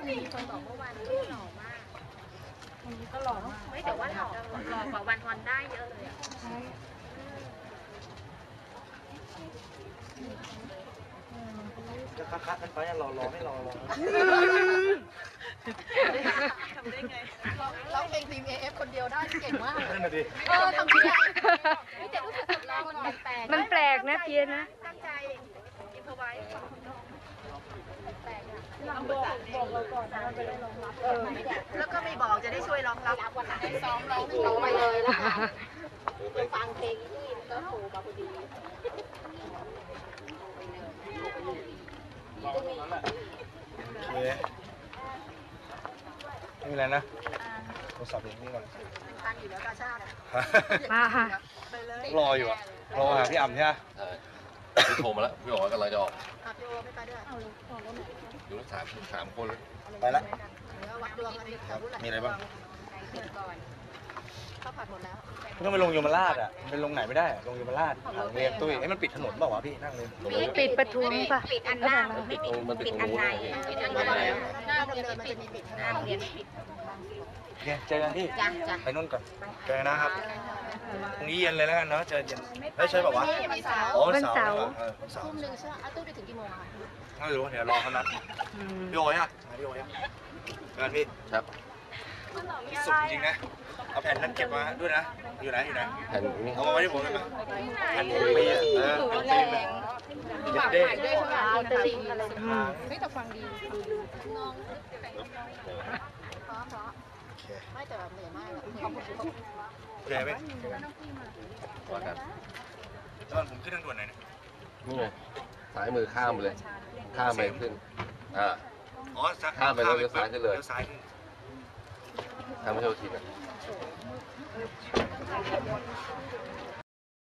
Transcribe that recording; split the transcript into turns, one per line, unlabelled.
มีคนบอกเมื่อวานที่หล่อมากวันนี้ก็หล่อมากไม่แต่ว่าหล่อกว่าวันฮอนได้เยอะเลยอ่ะ
จะคัดกันไปรอไม่รอ
ทำได้ไง
ร้องเพลงทีม AF คนเดียวได้เก่งมาก
นั่นน่ะดิ
ทำได้
ไม่แต่รู้สึกร้องมันแปลก
มันแปลกนะเพี้ยนนะ
ตั้งใจอินพอไว้แปลกอ่ะ
บอกเราก่อนนะจะได้ร้องรับ
แล้วก็ไม่บอกจะได้ช่วยร้องรับ
วันไหนซ้อมร้องไปเลยนะคะจะฟังเพลงที่ก็โผล่มาพอดี
โอเคไม่มีอะไรนะโทรศัพท์อย่างนี้ก่อน
ทันอยู่แล้วกาชาติ
มาค่ะ
รออยู่อะรอหาพี่อ่ำใช่ไหม
พี่โทรมาแล้วพี่บอกว่ากำลังจะออก
พี่โอไม่ไปด้วย
อยู่ทั้งสามคนเลย
ไปละ
วัดดวงกันดีค่ะ
มีอะไรบ้าง
ข้าวผัดหมดแล้ว
มันต้องไปลงยมราชอ่ะเป็นลงไหนไม่ได้ลงยมราชเรียนตุ้ยมันปิดถนนเปล่าวะพี่นั่งเลย
ปิดประทุมป่ะ
ปิดอันหน้า
มันติด
ปิด
ตร
อั
ง
น
นู้น
ในปิดอันใน
หน้าเดินมันจะมีปิด
หน้าโรงเรียนปิด
โอเคเจอกันพี่
จ้ะจ้ะ
ไปนู่นก่อนเจอกันนะครับพรุ่งนี้เย็นเลยแล้วกันเนาะเจอเย็นใช่ป่าวะ
วันเสาร์
อ๋อวันเสาร์วันเสาร์
ทุ่มหนึ่งใช่ไหมตู้ไปถึงกี่โมงอะ
ไม่รู้เดี๋ยวรอเขานัดพี่โอ้ยอ่ะพี่โอ้ยเจอกันพี่
ครับ
สุดจริงนะเอาแผ่นนั้นเก็บมาด้วยนะอยู่ไหน
แผ่นนี้
เอามาไว้ที่ผมเลยมั้ยแผ่นปีอ่ะแผ่นปีเย็ดเด้
ด้วยใช่ไหมตลิงอะไรไม่แต่ฟังดีงงเพราะไม่แต่แบบเหนื่อยมากขอบคุณ
โอเคไหม
ว่ากัน
ตอนผมขึ้นทางด่วนไหนเนี่ย
นี่ไงซ้ายมือข้ามไปเลย ข้ามไปขึ้น
อ๋
อ่า
อ
ข้ามไปแล้วเลี้ยวซ้ายขึ้นเลย
เลี้ยวซ้ายขึ้น
ทางไม่ใช่ทีนะ